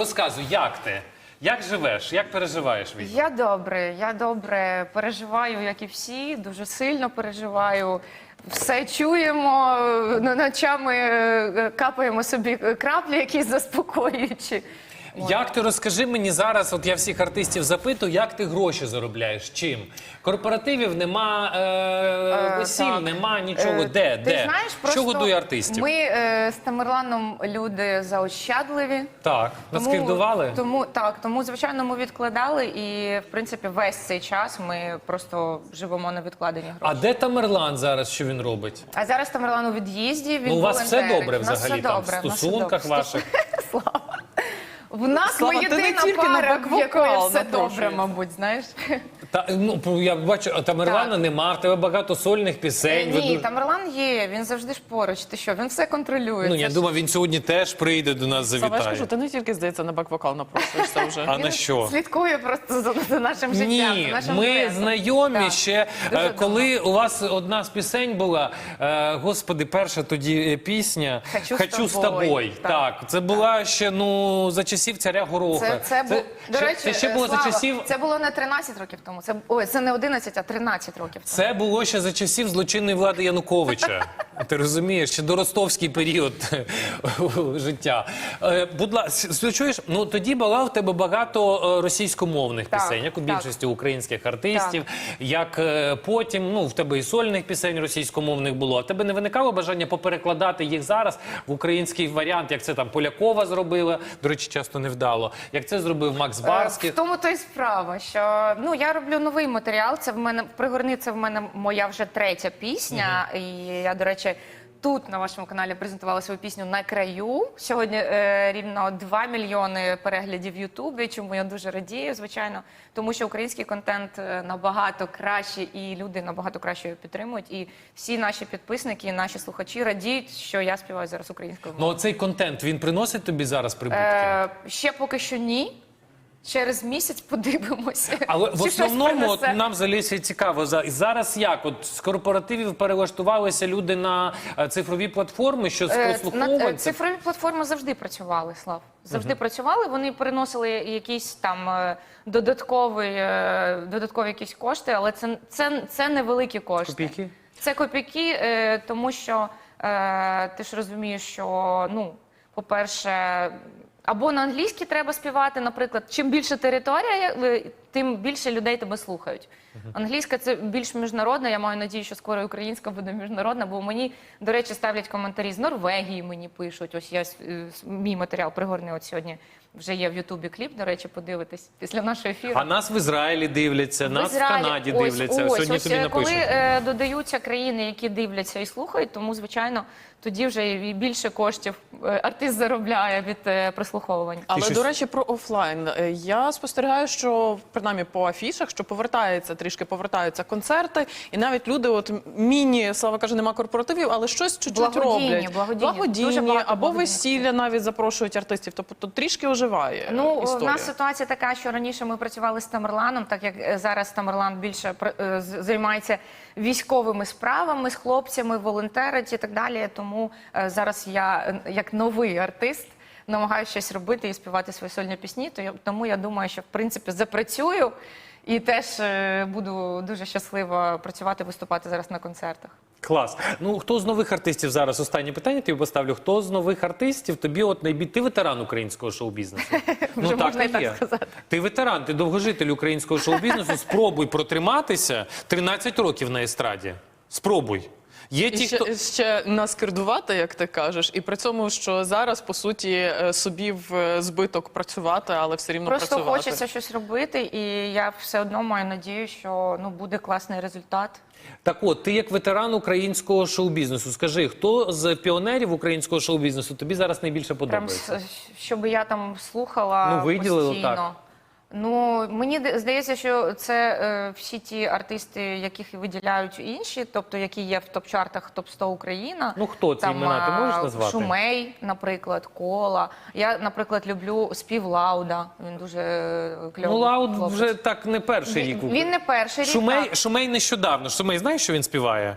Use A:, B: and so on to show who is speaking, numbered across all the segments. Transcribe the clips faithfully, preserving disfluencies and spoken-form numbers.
A: розказуй, як ти? Як живеш? Як переживаєш війну?
B: Я добре, я добре переживаю, як і всі, дуже сильно переживаю. Все чуємо, ночами капаємо собі краплі, якісь заспокоюючі.
A: Як ти, розкажи мені зараз, от я всіх артистів запитую, як ти гроші заробляєш? Чим? Корпоративів нема, е, весіль,
B: так.
A: нема нічого.
B: Е,
A: Де?
B: Ти
A: Де?
B: знаєш,
A: Що
B: просто
A: годує артистів?
B: Ми е, з Тамерланом люди заощадливі.
A: Так, наскрівдували?
B: Тому, так, тому, звичайно, ми відкладали і, в принципі, весь цей час ми просто живемо на відкладені гроші.
A: А де Тамерлан зараз, що він робить?
B: А зараз Тамерлан у від'їзді, він
A: Ну, у вас все
B: волонтерить.
A: добре
B: У нас
A: взагалі
B: все
A: там, в
B: добре, у нас все
A: стосунках
B: добре.
A: ваших?
B: Слава. В нас
C: Слава,
B: ми
C: ти не
B: єдина
C: тільки на
B: пара, в якої
C: бек-вокал
B: все добре,
C: напрошуєшся.
B: мабуть, знаєш.
A: Та, ну, я бачу, а Тамерлана
B: Так.
A: нема, в тебе багато сольних пісень. ви
B: Ні,
A: дуже-
B: Тамерлан є, він завжди ж поруч. Ти що, він все контролює.
A: Ну,
B: Це
A: я
B: ж-
A: думаю, він сьогодні теж прийде до нас,
C: Саме я ж
A: завітає.
C: кажу, ти не тільки, здається, на бек-вокал напрошуєшся вже.
A: А на що?
B: Слідкує просто за, за нашим життям,
A: Ні,
B: за нашим
A: ми
B: дуетом.
A: знайомі
B: Так.
A: ще,
B: Дуже
A: е, коли у вас одна з пісень була, е, господи, перша тоді е, пісня
B: «Хочу з тобою».
A: Так.
B: Так.
A: Це була ще, ну, за часів царя Гороха.
B: Це, це, бу... До
A: ще,
B: речі,
A: це ще було
B: Слава,
A: за часів...
B: це було не тринадцять років тому. Це, ой, це не одинадцять, а тринадцять років тому.
A: Це було ще за часів злочинної влади Януковича. Ти розумієш, ще до ростовський період життя. Е, будь ласка, чуєш, ну тоді була в тебе багато е, російськомовних
B: Так,
A: пісень, як у
B: так.
A: більшості українських артистів, як е, потім, ну в тебе і сольних пісень російськомовних було. А в тебе не виникало бажання поперекладати їх зараз в український варіант, як це там Полякова зробила, до речі, часто невдало, як це зробив Макс Барський.
B: В тому то й справа, що ну я роблю новий матеріал. Це в мене «Пригорни», це в мене моя вже третя пісня. І я, до речі, тут на вашому каналі презентувала свою пісню «На краю». Сьогодні е, рівно два мільйони переглядів в Ютубі. Чому я дуже радію, звичайно, тому що український контент е, набагато краще, і люди набагато краще його підтримують. І всі наші підписники, і наші слухачі радіють, що я співаю зараз українською мовою.
A: Ну цей контент, він приносить тобі зараз прибутки?
B: Е, ще поки що ні. Через місяць подивимося.
A: Але в
B: чи щось
A: основному от,
B: принесе.
A: нам взагалі цікаво, за- зараз як? От з корпоративів перелаштувалися люди на е, цифрові платформи, що з
B: Е, на-
A: прослуховувань.
B: е, Цифрові платформи завжди працювали, Слав. Завжди працювали. Вони переносили якісь там е, додаткові, е, додаткові якісь кошти, але це, це, це невеликі кошти.
A: Копійки?
B: Це копійки, е, тому що е, ти ж розумієш, що, ну, по-перше, або на англійській треба співати, наприклад, чим більше територія, е, тим більше людей тебе слухають. Англійська – це більш міжнародна, я маю надію, що скоро і українська буде міжнародна, бо мені, до речі, ставлять коментарі з Норвегії, мені пишуть, ось я, е, мій матеріал «Пригорни» от сьогодні вже є в Ютубі кліп, до речі, подивитись після нашого ефіру.
A: А нас в Ізраїлі дивляться,
B: В
A: нас
B: Ізраїлі.
A: в Канаді
B: Ось,
A: дивляться.
B: Ось,
A: Сьогодні
B: ось,
A: тобі
B: е,
A: напишуть.
B: коли е, додаються країни, які дивляться і слухають, тому, звичайно, тоді вже і більше коштів е, артист заробляє від е, прослуховування.
C: Але,
A: щось-
C: до речі, про офлайн. Е, Я спостерігаю, що, принаймні, по афішах, що повертається, трішки повертаються концерти, і навіть люди, от міні, Слава каже, нема корпоративів, але щось чуть-чуть
B: Благодійні,
C: роблять.
B: благодійні.
C: Благодійні,
B: Дуже багато
C: або
B: благодійних.
C: весілля навіть запрошують артистів, тобто трішки оживає
B: Ну, у
C: історія.
B: нас ситуація така, що раніше ми працювали з Тамерланом, так як е, зараз Тамерлан більше пр- е, з- займається військовими справами, з хлопцями, волонтерить і так далі. Тому е, зараз я, е, як новий артист, намагаюся щось робити і співати свої сольні пісні. То я, тому я думаю, що в принципі запрацюю і теж е, буду дуже щаслива працювати, виступати зараз на концертах.
A: Клас. Ну, хто з нових артистів зараз, останнє питання тобі поставлю, хто з нових артистів тобі от найбіль... Ти ветеран українського шоу-бізнесу? Ну
B: Вже можна і так
A: є.
B: сказати.
A: Ти ветеран, ти довгожитель українського шоу-бізнесу, спробуй протриматися тринадцять років на естраді. Спробуй. Є
C: І
A: ті,
C: ще,
A: хто...
C: ще наскердувати, як ти кажеш, і при цьому, що зараз, по суті, е, собі в е, збиток працювати, але все рівно
B: Просто
C: працювати.
B: хочеться щось робити, і я все одно маю надію, що ну буде класний результат.
A: Так от, ти як ветеран українського шоу-бізнесу, скажи, хто з піонерів українського шоу-бізнесу тобі зараз найбільше
B: Прям
A: подобається?
B: с- щоб я там слухала
A: Ну, виділили
B: постійно.
A: так.
B: Ну, мені де- здається, що це е, всі ті артисти, яких виділяють інші, тобто які є в топ-чартах топ сто Україна.
A: Ну, хто ці імена, ти
B: а,
A: можеш назвати?
B: Шумей, наприклад, Кола. Я, наприклад, люблю спів Лауда. Він дуже е, кльовий
A: Ну, Лауд
B: хлопець.
A: вже так не перший рік.
B: Він, він не перший рік.
A: Шумей,
B: так.
A: Шумей нещодавно. Шумей, знаєш, що він співає?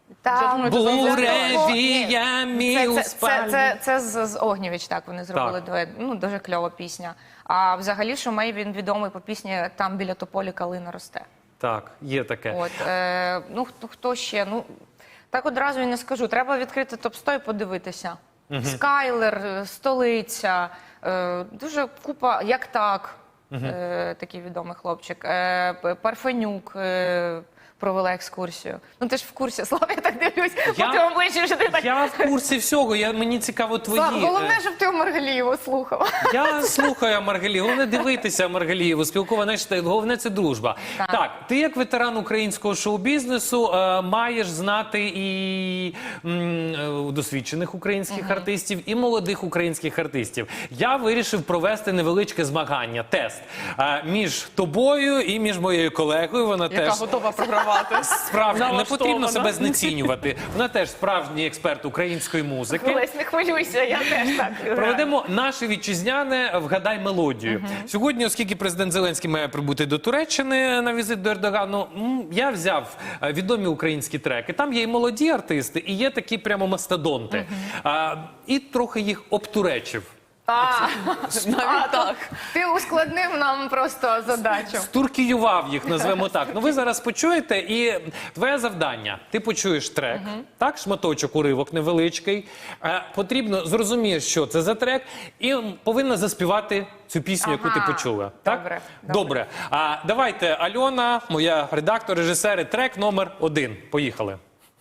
B: Там
A: буревія мій
B: це,
A: у
B: це, це,
A: спальні.
B: це, це з, з Огнєвіч, так, вони зробили
A: Так.
B: дует. Ну, дуже кльова пісня. А взагалі Шумей, він відомий по пісні «Там біля тополі калина росте».
A: Так, є таке.
B: От, е, ну, хто, хто ще? Ну, так одразу і не скажу. Треба відкрити топ сто і подивитися. Скайлер, е, Столиця, е, дуже купа, як так, е, такий відомий хлопчик, е, П- Парфенюк, е, провела екскурсію. Ну ти ж в курсі, Слава, я так дивлюсь,
A: Я-
B: по твоєму обличчю, що ти так...
A: Я в курсі всього, я, мені цікаво твої.
B: Слав, головне,
A: е,
B: щоб ти Маргалієву слухав.
A: Я слухаю Маргалію, головне дивитися Маргалієву, спілкування, знаєш, головне це дружба. Так.
B: Так.
A: ти як ветеран українського шоу-бізнесу е, маєш знати і м, е, досвідчених українських артистів, і молодих українських артистів. Я вирішив провести невеличке змагання, тест е, між тобою і між моєю колегою. Вона
C: Яка
A: теж
C: готова програвати.
A: справді не
C: Налаштована.
A: потрібно себе знецінювати. Вона теж справжній експерт української музики.
B: Олесь, не хвилюйся, я теж так.
A: Проведемо наше вітчизняне «Вгадай мелодію». Сьогодні, оскільки президент Зеленський має прибути до Туреччини на візит до Ердогану, м, я взяв е, відомі українські треки. Там є і молоді артисти, і є такі прямо мастодонти. А, і трохи їх обтуречив.
B: А,
C: Навіть так.
B: ти ускладнив нам просто задачу.
A: Стуркіював їх, назвемо так. Ну ви зараз почуєте, і твоє завдання. Ти почуєш трек, так, шматочок, уривок невеличкий. Е, потрібно зрозуміти, що це за трек, і м, повинна заспівати цю пісню, яку ти
B: Ага.
A: почула. Так?
B: Добре,
A: Добре.
B: добре.
A: А, давайте, Альона, моя редактор, режисери, трек номер один. Поїхали.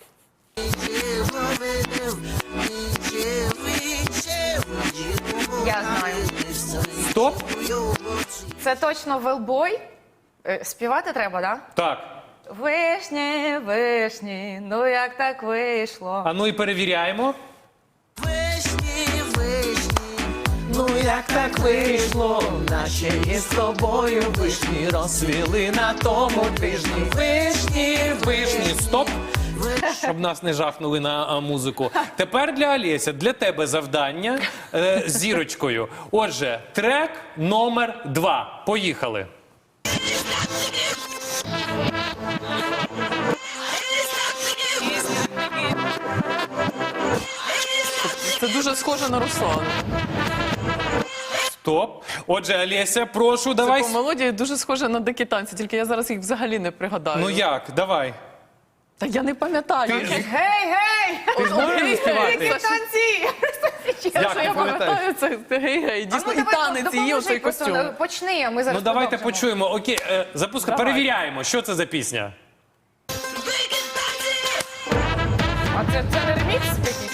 B: Я знаю.
A: Стоп.
B: Це точно Велбой. Е, Співати треба, так?
A: Так.
B: Вишні, вишні, ну як так вийшло.
A: А ну і перевіряємо.
D: Вишні, вишні, ну як так вийшло, наче із тобою вишні розсвіли на тому тижні. Вишні,
A: Вишні, стоп. Щоб нас не жахнули на а, музику. Тепер для Олеся, для тебе завдання е, з зірочкою. Отже, трек номер два. Поїхали.
C: Це дуже схоже на Руслана.
A: Стоп. Отже, Олеся, прошу, давай.
C: По мелодії дуже схоже на дикі танці, тільки я зараз їх взагалі не пригадаю.
A: Ну як, давай.
C: Та я не пам'ятаю.
A: Ти-
C: їх.
B: Гей, гей!
A: Ти знаєш
C: Гей,
A: співати?
C: гей,
B: Які танці!
C: Те,
A: Як
C: що
A: ти
C: я
A: пам'ятаєш?
C: пам'ятаю, це гей-гей. Дійсно,
B: А ну,
C: і
B: давай,
C: танець, і
B: допоможи
C: оцей
B: просто,
C: костюм.
B: ну, Почни, а ми зараз
A: Ну давайте
B: продовжимо.
A: почуємо. Окей, е, запуска,
C: Давай.
A: перевіряємо, що це за пісня.
B: А це, це не ремікс якийсь?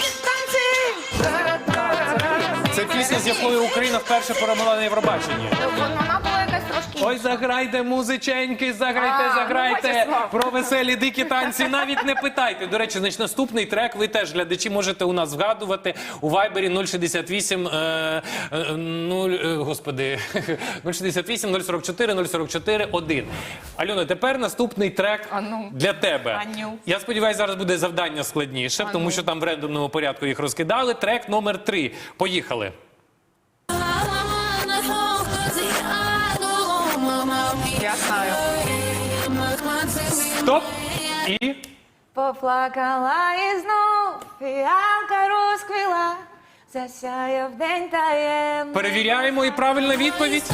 A: Це пісня, з якою Україна вперше перемогла на Євробаченні.
B: Ну, Вона була якась трошки
A: Ой, заграйте, музиченьки, заграйте,
B: А, ну,
A: заграйте
B: бачиш, Слав.
A: про веселі дикі танці. Навіть не питайте. До речі, значить, наступний трек ви теж, глядачі, можете у нас вгадувати у Вайбері нуль шістдесят вісім, е, е, нуль, е, господи, нуль шістдесят вісім, нуль сорок чотири, нуль сорок чотири, один. Альона, тепер наступний трек
B: А ну.
A: для тебе.
B: А ну.
A: Я сподіваюся, зараз буде завдання складніше, тому що там в рендомному порядку їх розкидали. Трек номер три. Поїхали.
B: Я знаю.
A: Стоп. І...
B: Поплакала і знов фіалка розквіла, засяяв день таємний.
A: Перевіряємо, і правильна відповідь.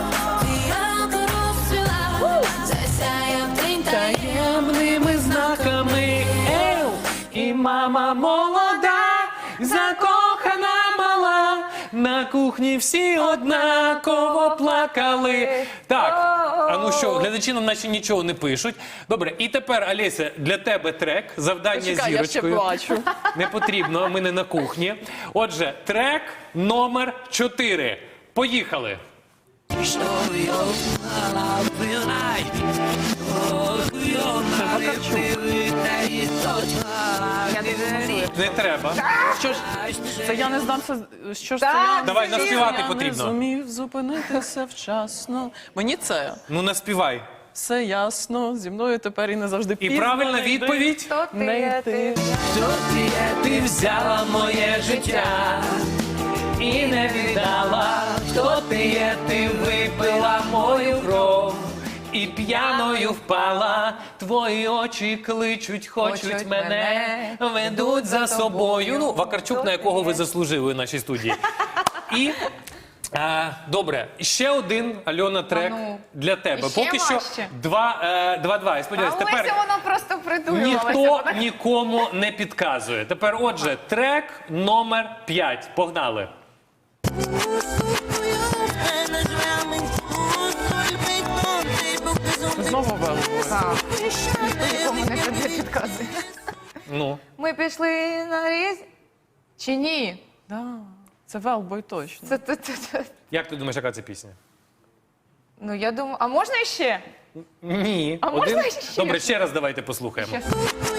A: Таємними знаками ел, і мама молода, закохана мала, на кухні всі однаково плакали. Так, а ну що, глядачі нам наче нічого не пишуть. Добре, і тепер, Олеся, для тебе трек, завдання
C: Чекай, я ще
A: зірочкою.
C: плачу.
A: Не потрібно, ми не на кухні. Отже, трек номер чотири. Поїхали.
B: Я дуже не
A: Не треба.
C: Що ж, це я не знав, це, що ж
B: Так,
C: це я...
A: Давай,
B: це
A: наспівати
C: Я
A: потрібно.
C: не зумів зупинитися вчасно. Мені це
A: Ну, наспівай.
C: все ясно, зі мною тепер і не завжди
A: І
C: пізно.
A: правильна
C: не йди.
A: відповідь.
B: Хто ти,
C: Не
B: є
C: йти.
B: ти?
D: Хто ти є, ти взяла моє життя і не віддала. Хто ти є, ти випила мою кров
A: І п'яною впала. твої очі кличуть, хочуть,
B: Хочуть
A: мене,
B: мене,
A: ведуть за собою. Ну, Вакарчук, на якого ви
B: Добре.
A: заслужили у нашій студії. І а, добре, ще один, Альона, трек
B: А ну,
A: для тебе.
B: ще
A: Поки що
B: важче.
A: два, е, два-два. Я
B: А
A: сподіваюся,
B: Олеся,
A: тепер
B: воно просто придумувалося.
A: ніхто нікому не підказує. Тепер, отже, трек номер п'ять. Погнали.
C: Знову велбою.
B: Так, ніхто нікому не піде- підказує.
A: Ну,
B: Ми пішли на різ... Чи ні?
C: Да, це велбой точно.
B: Це, це, це, це.
A: як ти думаєш, яка це пісня?
B: Ну, я думаю, а можна ще?
A: Ні.
B: А можна ще?
A: Добре, ще раз давайте послухаємо.
B: Ще.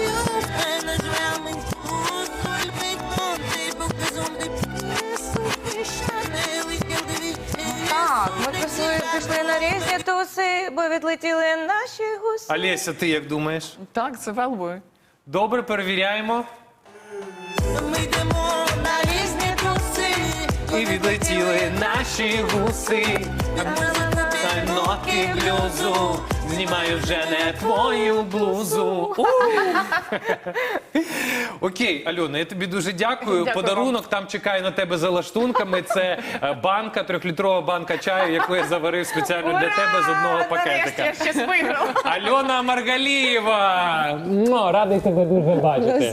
B: Так, ми пішли, пішли на різні туси, бо відлетіли наші гуси.
A: Олеся, ти як думаєш?
C: Так, це велбой.
A: Добре, перевіряємо.
B: На різні туси.
A: І відлетіли наші гуси. Та нотки блюзу. Знімаю вже не твою блузу. У! Окей, Альона, я тобі дуже дякую.
B: Дякую
A: Подарунок там чекає на тебе за лаштунками. Це е, банка, трьохлітрова банка чаю, яку я заварив спеціально для тебе з одного пакетика.
B: Нарешті я щось виграла.
A: Альона Маргалієва! Радий тебе дуже бачити.